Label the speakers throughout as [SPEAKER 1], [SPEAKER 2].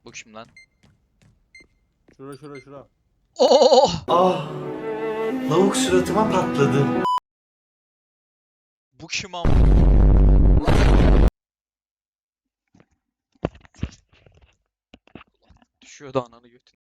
[SPEAKER 1] Bu kim lan?
[SPEAKER 2] Şura.
[SPEAKER 1] Oh!
[SPEAKER 3] Ah, lavuk suratıma patladı.
[SPEAKER 1] Bu kim ama? Düşüyordu ananı götün.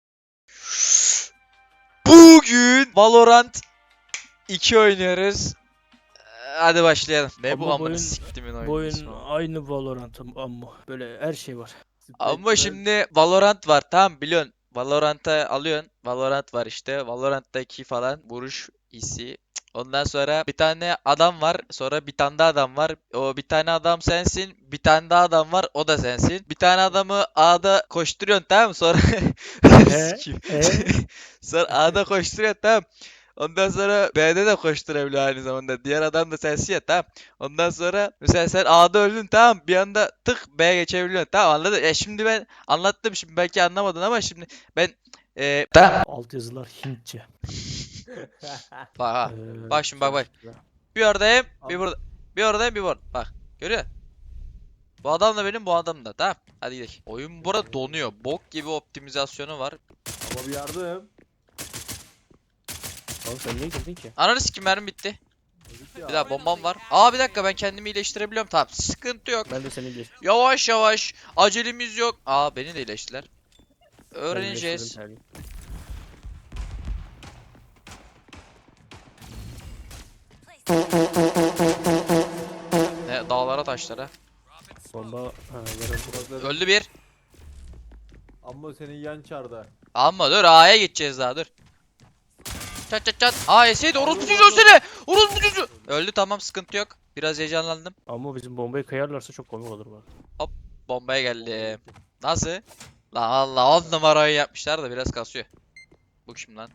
[SPEAKER 1] Bugün Valorant 2 oynuyoruz. Hadi başlayalım. Ne bu
[SPEAKER 4] Ama
[SPEAKER 1] amına siktimin
[SPEAKER 4] bu
[SPEAKER 1] oyunu
[SPEAKER 4] oyun
[SPEAKER 1] ismi o?
[SPEAKER 4] aynı Valorant ama böyle her şey var.
[SPEAKER 1] Ama şimdi Valorant var, tamam biliyorsun. Valorant'a alıyorsun. Valorant var işte. Valorant'taki falan vuruş hissi. Ondan sonra bir tane adam var. Sonra bir tane daha adam var. O bir tane adam sensin. Bir tane daha adam var. O da sensin. Bir tane adamı A'da koşturuyorsun, tamam mı? Sonra Sikeyim. Sonra A'da koşturuyorsun, tamam. Ondan sonra B'de de koşturabiliyor aynı zamanda. Diğer adam da sensin ya, tamam. Ondan sonra mesela sen A'da öldün, tamam. Bir anda tık B'ye geçebiliyorsun, tamam, anladın? Şimdi ben anlattım, şimdi belki anlamadın ama şimdi ben tamam.
[SPEAKER 4] Alt yazılar Hintçe.
[SPEAKER 1] Bak ha.
[SPEAKER 4] Ee,
[SPEAKER 1] Bak şimdi bak. Bir oradayım, bir burada. Bir oradayım, bir burada. Bak. Görüyor musun? Bu adam da benim, bu adam da. Tamam. Hadi gidelim. Oyun burada donuyor. Bok gibi optimizasyonu var.
[SPEAKER 2] Ama bir yardım.
[SPEAKER 4] Oğlum sen niye girdin ki?
[SPEAKER 1] Ananı sikim, mermi bitti.
[SPEAKER 2] Dedik ya.
[SPEAKER 1] Bir daha bombam var. Aa bir dakika, ben kendimi iyileştirebiliyorum. Tamam, sıkıntı yok.
[SPEAKER 4] Ben de seni bir
[SPEAKER 1] Yavaş yavaş. Acelemiz yok. Aa beni de iyileştiler. Öğreneceğiz. Ne, dağlara taşlara.
[SPEAKER 4] Bomba yarın.
[SPEAKER 1] Öldü bir.
[SPEAKER 2] Ama senin yan çarda.
[SPEAKER 1] Ama dur, A'ya gideceğiz daha, dur. Çat çat çat. Aa yeseydi, orospu çocuğu seni. Orospu çocuğu. Öldü, tamam, sıkıntı yok. Biraz heyecanlandım.
[SPEAKER 4] Ama bizim bombayı kayarlarsa çok komik olur bak.
[SPEAKER 1] Bombaya geldim. Nasıl? Lan Allah, 10 numarayı yapmışlar da biraz kasıyor. Bu kim lan?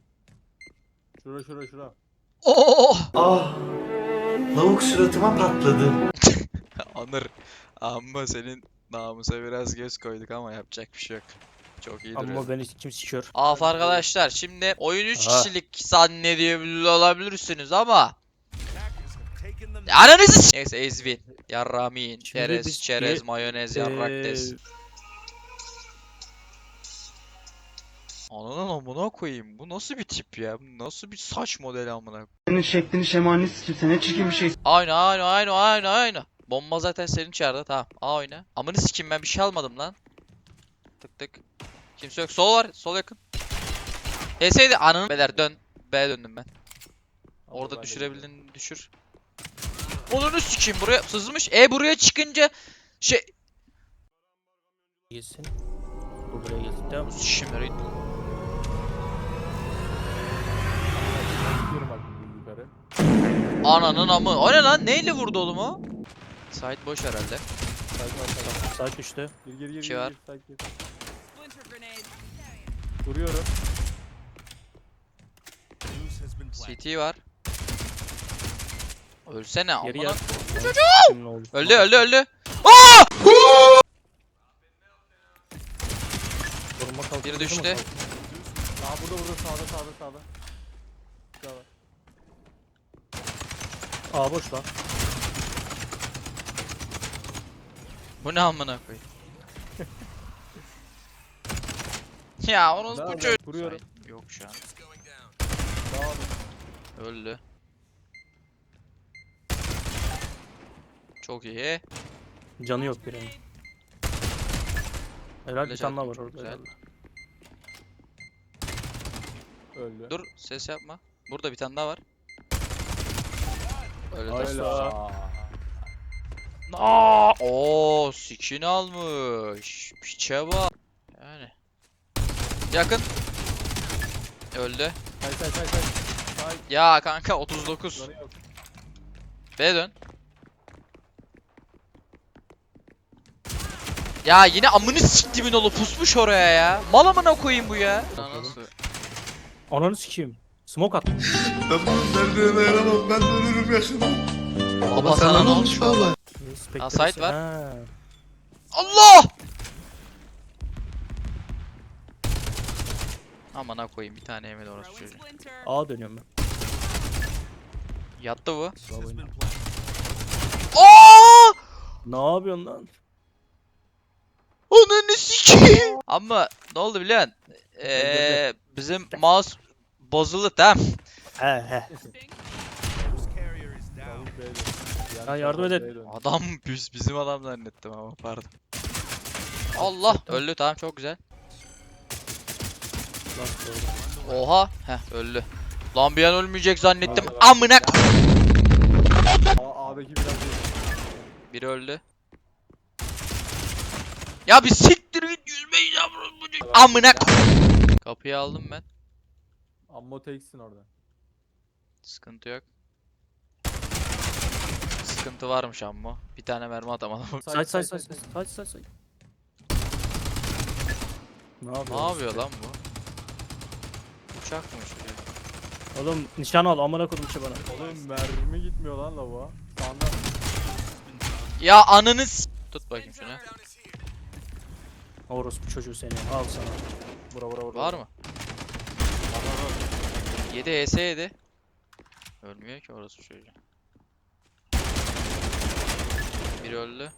[SPEAKER 2] Şura.
[SPEAKER 1] Oo!
[SPEAKER 3] Ah, lavuk suratıma patladı.
[SPEAKER 1] Anır. Amma senin namusa biraz göz koyduk ama yapacak bir şey yok. Çok iyi duruyor.
[SPEAKER 4] Ama beni kim sikiyor?
[SPEAKER 1] Af arkadaşlar, şimdi oyun 3
[SPEAKER 4] Aha.
[SPEAKER 1] kişilik zannediyor olabilirsiniz ama ananızı neyse, ezvin, yarramin,
[SPEAKER 4] Şimdi
[SPEAKER 1] çerez,
[SPEAKER 4] biz
[SPEAKER 1] çerez, mayonez, yarrak des.
[SPEAKER 4] Ee,
[SPEAKER 1] Ananın amına koyayım, bu nasıl bir tip ya? Bu nasıl bir saç modeli amına?
[SPEAKER 3] Senin şeklini şemalini sikimse ne çirkin bir şey.
[SPEAKER 1] Aynı. Bomba zaten senin çağırdı, tamam. A oyna. Amını sikeyim, ben bir şey almadım lan. Tık tık. Kimse yok. Sol var. Sol yakın. Heseydi ananı. Beyler dön. B'ye döndüm ben. Orada
[SPEAKER 2] ben de
[SPEAKER 1] düşürebildiğini düşür. Onunu sikeyim, buraya sızmış. Buraya çıkınca şey.
[SPEAKER 4] Gelsin. Bu buraya gelsin. Tamam.
[SPEAKER 1] Şimdileri.
[SPEAKER 2] Gidiyorum bak yukarı.
[SPEAKER 1] Ananın amı. O ne lan? Neyle vurdu oğlum o? Sait boş herhalde.
[SPEAKER 4] Saat düştü.
[SPEAKER 2] Gir.
[SPEAKER 1] İki var.
[SPEAKER 2] Sakin. Vuruyorum.
[SPEAKER 1] CT var. Ölsene
[SPEAKER 4] Geri
[SPEAKER 1] amına.
[SPEAKER 4] yat.
[SPEAKER 1] Öldü.
[SPEAKER 4] Koruma kalktı.
[SPEAKER 1] Biri düştü.
[SPEAKER 2] Aa burada sağda. Sağda.
[SPEAKER 4] Aa boş lan.
[SPEAKER 1] Bu ne amına koyayım? Ya onun
[SPEAKER 2] Devam
[SPEAKER 1] bu
[SPEAKER 2] et,
[SPEAKER 1] çocuk.
[SPEAKER 2] vuruyorum.
[SPEAKER 1] Yok şu an.
[SPEAKER 2] Devam et.
[SPEAKER 1] Öldü. Çok iyi.
[SPEAKER 4] Canı yok birinin. Helal bir
[SPEAKER 1] Flash
[SPEAKER 4] tane daha var
[SPEAKER 1] attım, çok
[SPEAKER 4] orada
[SPEAKER 1] güzel.
[SPEAKER 4] herhalde.
[SPEAKER 2] Öldü.
[SPEAKER 1] Dur, ses yapma. Burada bir tane daha var. Öyle de.
[SPEAKER 2] Hayla.
[SPEAKER 1] Oo, skin almış. Piçe bak. Yani. Yakın. Öldü.
[SPEAKER 2] Say.
[SPEAKER 1] Ya kanka 39.
[SPEAKER 2] Canı yok.
[SPEAKER 1] B'ye dön. Ya yine amını siktimin oğlu pusmuş oraya ya. Mal amına koyayım bu ya. Nasıl?
[SPEAKER 4] Ananı sikeyim. Smoke at.
[SPEAKER 3] Ben bunun derdine dayanamam, ben ölürüm yakında.
[SPEAKER 1] Baba sana ne olmuş baba?
[SPEAKER 4] Spectre
[SPEAKER 1] site var.
[SPEAKER 4] Ha.
[SPEAKER 1] Allah! Amına koyayım, bir tane yemedi orası çocuğu.
[SPEAKER 4] A dönüyorum ben.
[SPEAKER 1] Yattı bu.
[SPEAKER 4] Bravo oyna.
[SPEAKER 1] Aa!
[SPEAKER 4] Ne yapıyorsun lan?
[SPEAKER 1] Ananı sikeyim. Ama ne oldu biliyor musun? Bizim mouse bozuldu tamam.
[SPEAKER 4] He he.
[SPEAKER 2] Davul B'ye dön. Diğer
[SPEAKER 4] Ya yardım
[SPEAKER 2] taraf
[SPEAKER 4] edin.
[SPEAKER 2] B'ye dön.
[SPEAKER 1] Adam bizim adam zannettim ama pardon. Allah öldü tamam çok güzel.
[SPEAKER 4] Lan doğru.
[SPEAKER 1] Oha heh öldü. Lan bir an ölmeyecek zannettim.
[SPEAKER 2] Abi,
[SPEAKER 1] Amına
[SPEAKER 2] A'daki biraz değil.
[SPEAKER 1] biri öldü. Ya bir siktir git yüzmeyi yavrum bu çocuk. Amına kapıyı aldım ben.
[SPEAKER 2] Ammo teksin orada.
[SPEAKER 1] Sıkıntı yok. Sıkıntı varmış amma. Bir tane mermi atamadım.
[SPEAKER 4] Say say say say. Say say say. Ne yapıyor?
[SPEAKER 1] Ne yapıyor lan bu? Uçak mı uçuyor?
[SPEAKER 4] Oğlum nişan al amına koydum şey bana.
[SPEAKER 2] Oğlum mermi gitmiyor lan lavuğa. Sağında.
[SPEAKER 1] Ya ananı tut bakayım şunu.
[SPEAKER 4] Orospu çocuğu seni. Al sana.
[SPEAKER 2] Vura.
[SPEAKER 1] Var mı? 7 ES yedi. Ölmüyor ki orası çocuğu. Biri öldü.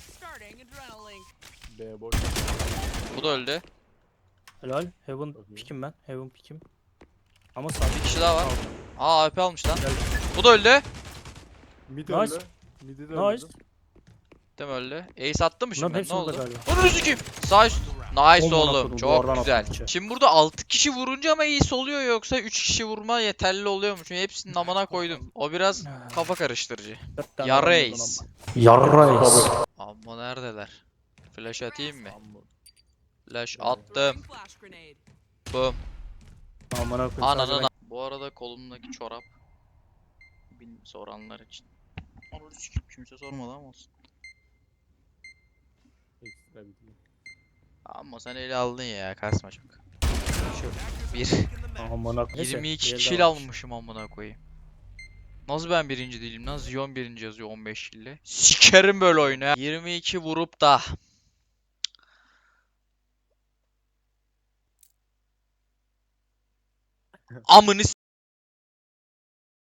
[SPEAKER 2] B boş.
[SPEAKER 1] Bu da öldü.
[SPEAKER 4] Helal. Heaven
[SPEAKER 2] Çok iyi.
[SPEAKER 4] pikim ben. Heaven pikim. Ama sağ
[SPEAKER 1] Bir kişi daha var. Aa AP almış lan.
[SPEAKER 4] Gel.
[SPEAKER 1] Bu da öldü.
[SPEAKER 2] Mid
[SPEAKER 4] Nice.
[SPEAKER 2] öldü. Mid'i de öldü.
[SPEAKER 4] Nice.
[SPEAKER 1] Değil mi öldü? Ace attı mı
[SPEAKER 4] Bunların
[SPEAKER 1] şimdi?
[SPEAKER 4] hepsi
[SPEAKER 1] Ne
[SPEAKER 4] burada
[SPEAKER 1] oldu?
[SPEAKER 4] galiba.
[SPEAKER 1] Onu üzücüm. Sağ üst. Nice
[SPEAKER 4] Aman
[SPEAKER 1] oğlum.
[SPEAKER 4] akıllım,
[SPEAKER 1] Çok
[SPEAKER 4] duvardan
[SPEAKER 1] güzel.
[SPEAKER 4] attım içeri.
[SPEAKER 1] Şimdi burada 6 kişi vurunca mı Ace oluyor yoksa 3 kişi vurma yeterli oluyor mu? Çünkü hepsinin amına koydum. O biraz kafa karıştırıcı. Ya reis.
[SPEAKER 4] Yarrays.
[SPEAKER 1] Amma neredeler? Flash atayım mı?
[SPEAKER 2] Ammo.
[SPEAKER 1] Flash attım. Boom.
[SPEAKER 4] Amına koyayım.
[SPEAKER 1] Ananı. Bu arada kolumdaki çorap. Soranlar için. Onu sikeyim, kimse sormadı ama olsun.
[SPEAKER 2] Ekstra bitti.
[SPEAKER 1] Ama sen ele aldın ya kasma çok. Bir.
[SPEAKER 4] Amına koyayım.
[SPEAKER 1] 22 kill almışım amına koyayım. Nasıl ben birinci değilim lan? Zion birinci yazıyor 15 kille. Sikerim böyle oyunu ya. 22 vurup da. Amını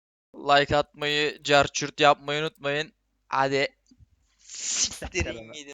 [SPEAKER 1] like atmayı, carçurt yapmayı unutmayın. Hadi. Siktirin gidin.